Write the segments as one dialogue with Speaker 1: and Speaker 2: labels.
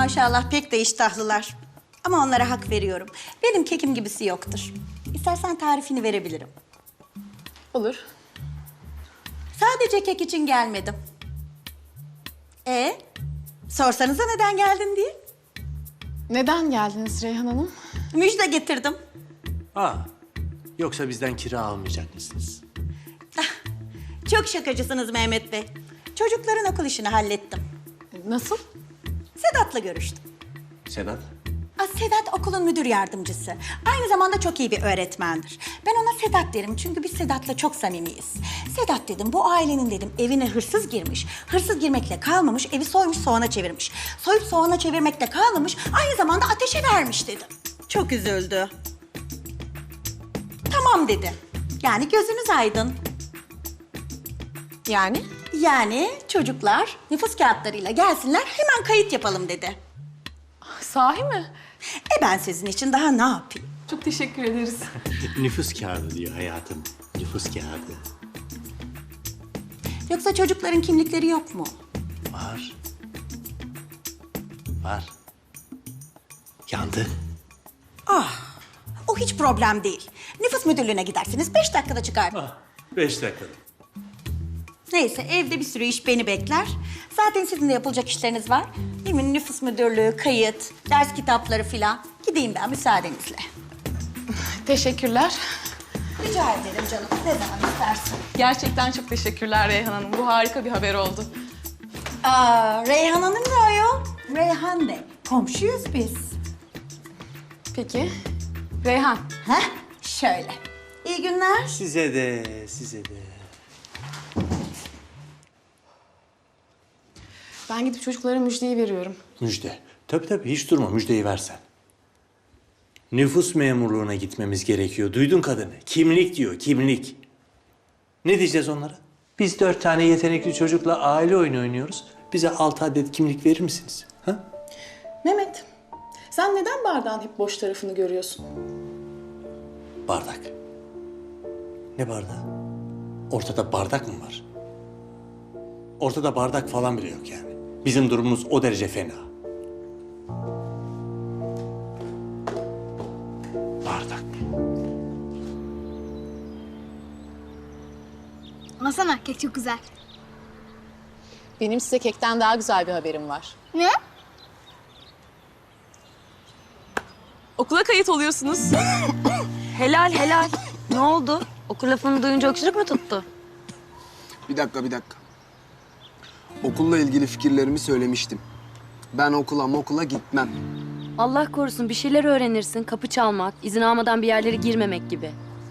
Speaker 1: maşallah pek de iştahlılar. Ama onlara hak veriyorum. Benim kekim gibisi yoktur. İstersen tarifini verebilirim.
Speaker 2: Olur.
Speaker 1: Sadece kek için gelmedim. Sorsanıza neden geldin diye.
Speaker 2: Neden geldiniz Reyhan Hanım?
Speaker 1: Müjde getirdim.
Speaker 3: Yoksa bizden kira almayacak mısınız?
Speaker 1: Çok şakacısınız Mehmet Bey. Çocukların okul işini hallettim.
Speaker 2: Nasıl?
Speaker 1: Sedat'la görüştüm.
Speaker 3: Sedat?
Speaker 1: Sedat okulun müdür yardımcısı. Aynı zamanda çok iyi bir öğretmendir. Ben ona Sedat derim çünkü biz Sedat'la çok samimiyiz. Sedat dedim, bu ailenin dedim evine hırsız girmiş. Hırsız girmekle kalmamış, evi soymuş soğana çevirmiş. Soyup soğana çevirmekle kalmamış, aynı zamanda ateşe vermiş dedim. Çok üzüldü. Tamam dedi. Yani gözünüz aydın.
Speaker 2: Yani?
Speaker 1: Yani çocuklar nüfus kağıtlarıyla gelsinler, hemen kayıt yapalım dedi.
Speaker 2: Sahi mi?
Speaker 1: Ben sizin için daha ne yapayım?
Speaker 2: Çok teşekkür ederiz.
Speaker 3: Nüfus kağıdı diyor hayatım. Nüfus kağıdı.
Speaker 1: Yoksa çocukların kimlikleri yok mu?
Speaker 3: Var. Var. Yandı.
Speaker 1: O hiç problem değil. Nüfus müdürlüğüne gidersiniz, 5 dakikada çıkar.
Speaker 3: 5 dakika.
Speaker 1: Neyse, evde bir sürü iş beni bekler. Zaten sizin de yapılacak işleriniz var. Değil mi? Nüfus müdürlüğü, kayıt, ders kitapları filan. Gideyim ben müsaadenizle.
Speaker 2: Teşekkürler.
Speaker 1: Rica ederim canım, ne zaman istersin.
Speaker 2: Gerçekten çok teşekkürler Reyhan Hanım. Bu harika bir haber oldu.
Speaker 1: Reyhan Hanım ne ayol? Reyhan de. Komşuyuz biz.
Speaker 2: Peki. Reyhan.
Speaker 1: Şöyle. İyi günler.
Speaker 3: Size de, size de.
Speaker 2: Ben gidip çocuklara müjdeyi veriyorum.
Speaker 3: Müjde. Tabii hiç durma, müjdeyi versen. Nüfus memurluğuna gitmemiz gerekiyor. Duydun kadını. Kimlik diyor, kimlik. Ne diyeceğiz onlara? Biz 4 tane yetenekli çocukla aile oyunu oynuyoruz. Bize 6 adet kimlik verir misiniz? Ha?
Speaker 2: Mehmet, sen neden bardağın hep boş tarafını görüyorsun?
Speaker 3: Bardak. Ne bardağı? Ortada bardak mı var? Ortada bardak falan bile yok yani. Bizim durumumuz o derece fena. Bardak.
Speaker 4: Alsana, kek çok güzel.
Speaker 2: Benim size kekten daha güzel bir haberim var.
Speaker 4: Ne?
Speaker 2: Okula kayıt oluyorsunuz.
Speaker 5: Helal helal. Ne oldu? Okul lafını duyunca öksürük mü tuttu?
Speaker 6: Bir dakika. Okulla ilgili fikirlerimi söylemiştim. Ben okula gitmem.
Speaker 5: Allah korusun bir şeyler öğrenirsin. Kapı çalmak, izin almadan bir yerlere girmemek gibi.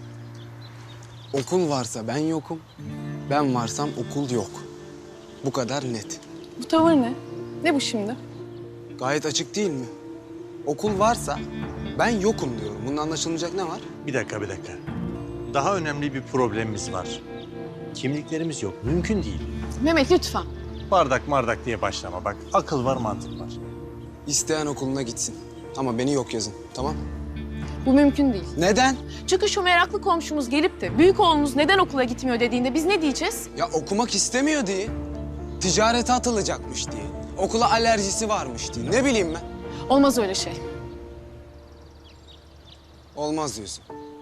Speaker 6: Okul varsa ben yokum. Ben varsam okul yok. Bu kadar net.
Speaker 2: Bu tavır ne? Ne bu şimdi?
Speaker 6: Gayet açık değil mi? Okul varsa ben yokum diyorum. Bunun anlaşılmayacak ne var?
Speaker 3: Bir dakika. Daha önemli bir problemimiz var. Kimliklerimiz yok. Mümkün değil.
Speaker 2: Mehmet lütfen.
Speaker 3: Bardak diye başlama bak. Akıl var, mantık var.
Speaker 6: İsteyen okuluna gitsin. Ama beni yok yazın, tamam?
Speaker 2: Bu mümkün değil.
Speaker 6: Neden?
Speaker 2: Çünkü şu meraklı komşumuz gelip de büyük oğlunuz neden okula gitmiyor dediğinde biz ne diyeceğiz?
Speaker 6: Ya okumak istemiyor diye. Ticarete atılacakmış diye. Okula alerjisi varmış diye. Ne bileyim ben.
Speaker 2: Olmaz öyle şey.
Speaker 6: Olmaz diyorsun.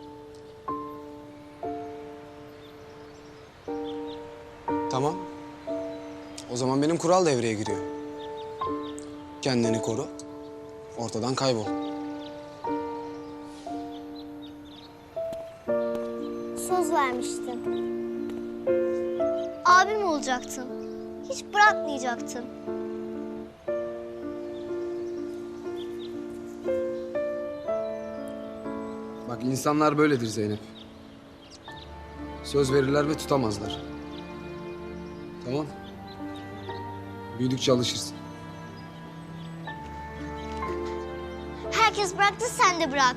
Speaker 6: Tamam. O zaman benim kural devreye giriyor. Kendini koru. Ortadan kaybol.
Speaker 4: Söz vermiştin. Abim olacaktın. Hiç bırakmayacaktın.
Speaker 6: Bak insanlar böyledir Zeynep. Söz verirler ve tutamazlar. Tamam. Büyüdükçe alışırsın.
Speaker 4: Herkes bıraktı, sen de bırak.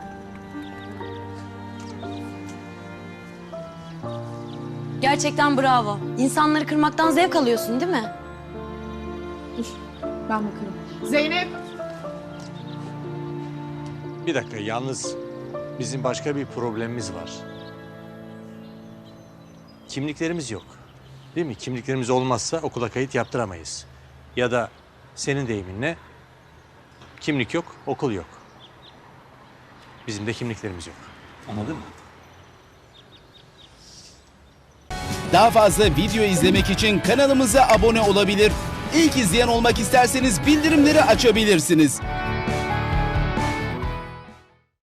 Speaker 5: Gerçekten bravo. İnsanları kırmaktan zevk alıyorsun değil mi?
Speaker 2: Ben bakarım. Zeynep.
Speaker 3: Bir dakika, yalnız bizim başka bir problemimiz var. Kimliklerimiz yok. Değil mi? Kimliklerimiz olmazsa okula kayıt yaptıramayız. Ya da senin deyiminle Kimlik yok, okul yok. Bizim de kimliklerimiz yok. Anladın mı?
Speaker 7: Daha fazla video izlemek için kanalımıza abone olabilir. İlk izleyen olmak isterseniz bildirimleri açabilirsiniz.